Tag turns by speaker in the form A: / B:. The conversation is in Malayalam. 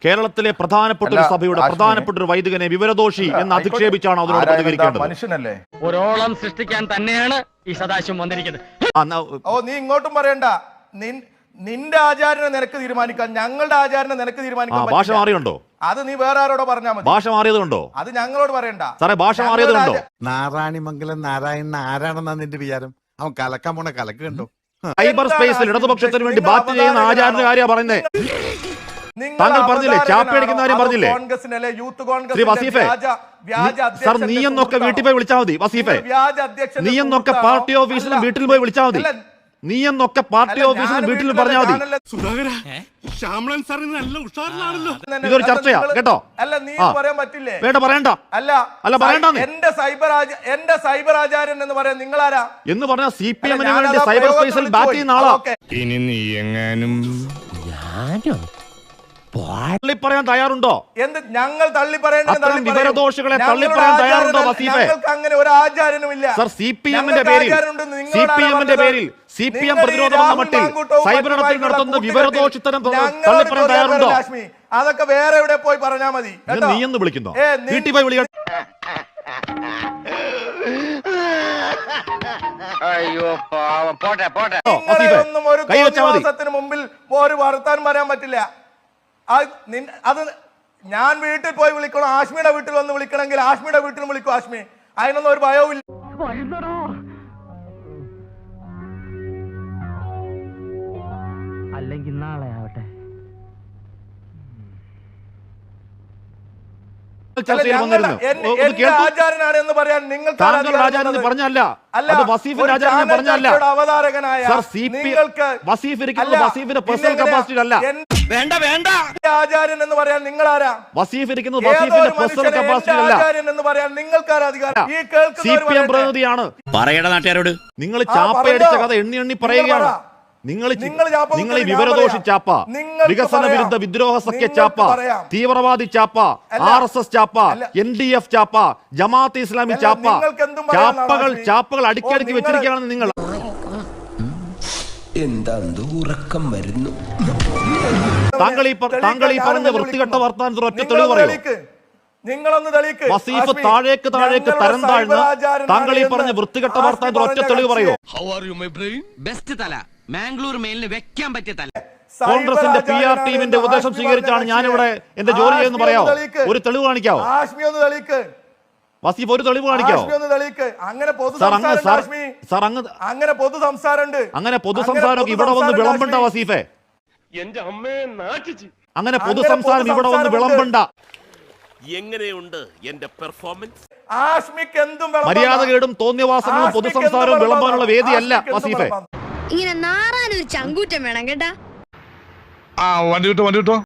A: കേരളത്തിലെ പ്രധാനപ്പെട്ട ഒരു സഭയുടെ പ്രധാനപ്പെട്ട ഒരു വൈദികനെ വിവരദോഷി എന്ന് അധിക്ഷേപിച്ചാണ് അതിനോട് പ്രതികരിക്കേണ്ടത്.
B: മനുഷ്യനല്ലേ,
C: ഒരോളം സൃഷ്ടിക്കാൻ തന്നെയാണ് ഈ സദാശിവം വന്നിരിക്കുന്നത്.
B: ഓ നീ ഇങ്ങോട്ടും പറയണ്ട. നിന്റെ ആചാരനെ നിനക്ക് തീരുമാനിക്കാൻ, ഞങ്ങളുടെ ആചാരനെ നിനക്ക് തീരുമാനിക്കാൻ
A: ഭാഷ മാറിയുണ്ടോ?
B: അത് നീ വേറെ ആരോടോ പറഞ്ഞാൽ മതി.
A: ഭാഷ മാറിയതുകൊണ്ടോ?
B: അത് ഞങ്ങളോട് പറയണ്ട
A: സാറേ. ഭാഷ മാറിയതുകൊണ്ടോ?
D: നാരായണിമംഗലം നാരായണൻ ആരാണെന്നാ നിന്റെ വിചാരം? അവൻ കലക്കാൻ പോണ കലക്ക് കണ്ടോ?
A: സൈബർ സ്പേസിൽ ഇടതുപക്ഷത്തിന് വേണ്ടി ബാറ്റ് ചെയ്യുന്ന ആചാര്യന്റെ കാര്യമാണ് പറയുന്നത്. താങ്കൾ പറഞ്ഞില്ലേ, ചാപ്പയടിക്കുന്ന കാര്യം പറഞ്ഞില്ലേ? ശ്രീ വസീഫെ, സാർ നീയെന്നൊക്കെ വീട്ടിൽ പോയി വിളിച്ചാൽ മതി. വസീഫെ, നീയെന്നൊക്കെ പാർട്ടി ഓഫീസിലും വീട്ടിൽ പോയി വിളിച്ചാൽ മതി. നീയെന്നൊക്കെ പാർട്ടി ഓഫീസിലും വീട്ടിൽ പറഞ്ഞാൽ മതി. ഇതൊരു ചർച്ചയാ കേട്ടോ.
B: അല്ല നീ പറയാൻ പറ്റില്ലേ?
A: വേണ്ട, പറയണ്ട. അല്ല പറയണ്ട.
B: എന്റെ സൈബർ ആചാര്യൻ എന്ന് പറയാൻ നിങ്ങളാരാ
A: എന്ന് പറഞ്ഞാൽ CPM-ന് വേണ്ടി സൈബർ സ്പേസിൽ ബാറ്റ് ചെയ്യുന്ന ആളാ.
D: ഇനി നീ എങ്ങാനും
A: പറയാൻ തയ്യാറുണ്ടോ?
B: എന്ത് ഞങ്ങൾ തള്ളി പറയേണ്ടത്?
A: വിവരദോഷികളെ തള്ളി പറയാൻ തയ്യാറുണ്ടോ വസീഫെ?
B: ഞങ്ങൾക്ക് അങ്ങനെ ഒരു ആചാരനും ഇല്ല
A: സർ. CPM-ന്റെ പേരിൽ CPM പ്രതിരോധം എന്ന മട്ടിൽ സൈബറിടത്തിൽ നടത്തുന്ന വിവരദോഷിത്തരം തള്ളി പറയാൻ തയ്യാറുണ്ടോ?
B: അതൊക്കെ വേറെ എവിടെ പോയി പറഞ്ഞാൽ മതി.
A: നീ എന്ന് വിളിക്കുന്നോ? വീട്ടിൽ പോയി വിളിക്കണം.
C: അയ്യോ പോട്ടെ പോട്ടെ.
B: ഒന്നും ഒരു ദിവസത്തിന് മുമ്പിൽ ഒരു വർത്താനം പറയാൻ പറ്റില്ല. അത് ഞാൻ വീട്ടിൽ പോയി വിളിക്കണം. ആശ്മിയുടെ വീട്ടിൽ വന്ന് വിളിക്കണമെങ്കിൽ ആശ്മിയുടെ വീട്ടിൽ വിളിക്കും. ആശ്മി, അതിനൊന്നും ഒരു ഭയവും ഇല്ല.
C: അല്ലെങ്കിൽ നാളെ ആവട്ടെ.
B: ആചാരനാണ് എന്ന് പറയാൻ നിങ്ങൾക്ക്
A: പറഞ്ഞല്ല.
B: അവതാരകനായ ആചാര്യൻ എന്ന് പറയാൻ നിങ്ങളാരാ? ആചാര്യൻ എന്ന് പറയാൻ നിങ്ങൾക്കാരാ അധികാരം? ഈ
A: CPM പ്രതിനിധിയാണ്.
E: പറയട നാട്ടുകാരോട്.
A: നിങ്ങൾ ചാപ്പയടിച്ച കഥ എണ്ണി പറയുകയാണ്. നിങ്ങൾ ഈ വിവരദോഷി ചാപ്പ, വികസന വിരുദ്ധ വിദ്രോഹ സഖ്യ ചാപ്പ, തീവ്രവാദി ചാപ്പ, RSS ചാപ്പ, NDF ചാപ്പ, ജമാഅത്ത് ഇസ്ലാമി ചാപ്പ, ചാപ്പകൾ അടുക്കി വെച്ചിരിക്കുകയാണെന്ന് നിങ്ങൾ.
F: എന്താ ഉറക്കം വരുന്നു?
A: താങ്കൾ ഈ പറഞ്ഞ വൃത്തികെട്ട വർത്താനത്തിന് ഒറ്റ തെളിവ് പറയൂ. വസീഫ് താഴേക്ക് തരം താഴ്ന്ന് താങ്കൾ ഈ പറഞ്ഞ വൃത്തികെട്ട വർത്താനത്തിന് ഒറ്റ തെളിവ് പറയൂ.
E: ബെസ്റ്റ് തല മാംഗ്ലൂർ മെയിലിന് വെക്കാൻ പറ്റിയ തല.
A: കോൺഗ്രസിന്റെ PR ടീമിന്റെ ഉപദേശം സ്വീകരിച്ചാണ് ഞാനിവിടെ എന്റെ ജോലി ചെയ്യുന്ന പറയാമോ? ഒരു തെളിവ് കാണിക്കാവോ? വസീഫ് ഒരു തെളിവ് കാണിക്കാവോ? അങ്ങനെ പൊതുസംസാരം ഇവിടെ വന്ന് വിളമ്പണ്ട വസീഫെ. അങ്ങനെ പൊതുസംസാരം ഇവിടെ വന്ന് വിളമ്പണ്ട.
G: എങ്ങനെയുണ്ട് എന്റെ പെർഫോമൻസ്?
A: മര്യാദകേടും തോന്നിയവാസങ്ങളും പൊതുസംസാരവും വിളമ്പാനുള്ള വേദിയല്ല വസീഫെ.
H: ഇങ്ങനെ നാറാനൊരു ചങ്കൂറ്റം വേണം കേട്ടാ.
D: വണ്ടി കിട്ടോ